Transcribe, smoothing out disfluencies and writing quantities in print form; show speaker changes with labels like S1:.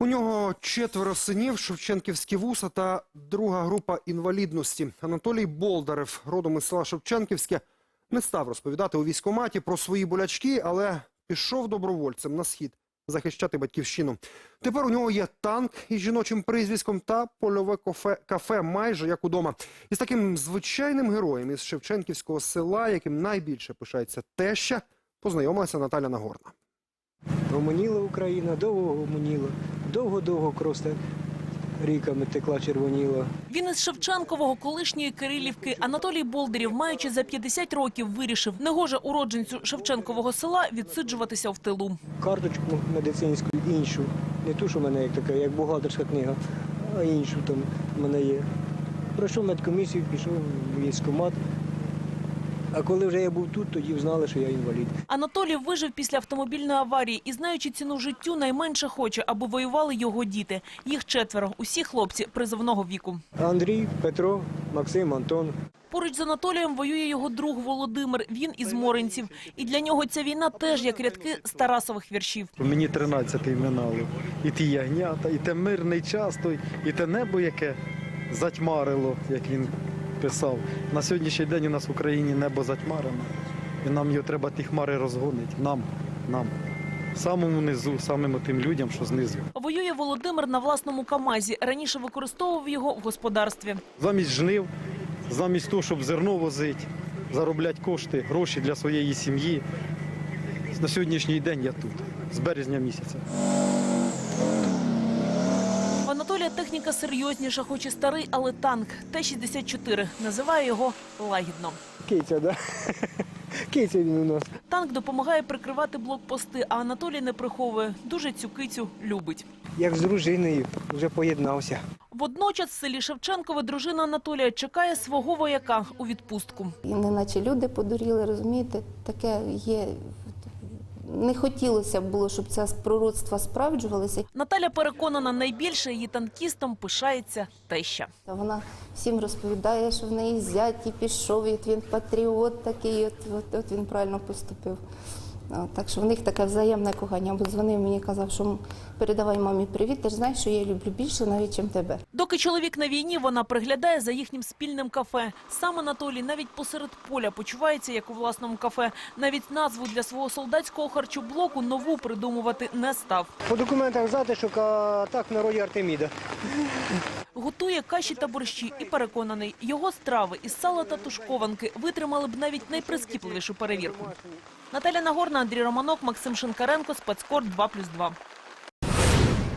S1: У нього 4 синів, шевченківські вуса та друга група інвалідності. Анатолій Болдарев, родом із села Шевченківське, не став розповідати у військкоматі про свої болячки, але пішов добровольцем на схід захищати батьківщину. Тепер у нього є танк із жіночим прізвиськом та польове кафе майже як удома. Із таким звичайним героєм із Шевченківського села, яким найбільше пишається теща, познайомилася Наталя Нагорна.
S2: Гомоніла Україна, довго гомоніла, довго-довго просто ріками текла, червоніла.
S3: Він із Шевченкового, колишньої Кирилівки. Анатолій Болдарєв, маючи за 50 років, вирішив, негоже уродженцю Шевченкового села відсиджуватися в тилу.
S2: Карточку медицинську іншу, не ту, що в мене як така, як бухгалтерська книга, а іншу там в мене є. Пройшов медкомісію, пішов в військкомат. А коли вже я був тут, тоді знали, що я інвалід.
S3: Анатолій вижив після автомобільної аварії і, знаючи ціну життю, найменше хоче, аби воювали його діти. Їх 4, усі хлопці призовного віку.
S2: Андрій, Петро, Максим, Антон.
S3: Поруч з Анатолієм воює його друг Володимир, він із Моринців. І для нього ця війна теж як рядки з Тарасових віршів.
S4: Мені 13-й минало. І ті ягнята, і те мирний час той, і те небо, яке затьмарило, як він писав. На сьогоднішній день у нас в Україні небо затьмарено. І нам його треба ті хмари розгонити. Нам. Самому низу, самим тим людям, що знизу.
S3: Воює Володимир на власному КАМАЗі. Раніше використовував його в господарстві.
S4: Замість жнив, замість того, щоб зерно возити, заробляти кошти, гроші для своєї сім'ї. На сьогоднішній день я тут, з березня місяця.
S3: В Анатолія техніка серйозніша, хоч і старий, але танк Т-64. Називає його лагідно.
S2: Киця, да? Киця він у нас.
S3: Танк допомагає прикривати блокпости, а Анатолій не приховує. Дуже цю кицю любить.
S2: Як з дружиною, вже поєднався.
S3: Водночас в селі Шевченкове дружина Анатолія чекає свого вояка у відпустку.
S5: І неначе люди подуріли, розумієте, таке є. Не хотілося б було, щоб це пророцтва справджувалися.
S3: Наталя переконана, найбільше її танкістом пишається теща.
S5: Вона всім розповідає, що в неї зять і пішов, і він патріот такий, от він правильно поступив. Так що в них таке взаємне кохання. Бо дзвонив мені, казав, що передавай мамі привіт, ти ж знаєш, що я її люблю більше навіть, ніж тебе.
S3: Доки чоловік на війні, вона приглядає за їхнім спільним кафе. Сам Анатолій навіть посеред поля почувається, як у власному кафе. Навіть назву для свого солдатського харчоблоку нову придумувати не став.
S2: По документах затишок, а так в народі Артеміда.
S3: Готує каші та борщі і переконаний, його страви із сала та тушкованки витримали б навіть найприскіпливішу перевірку. Наталя Нагорна, Андрій Романок, Максим Шинкаренко, Спецкор 2+2.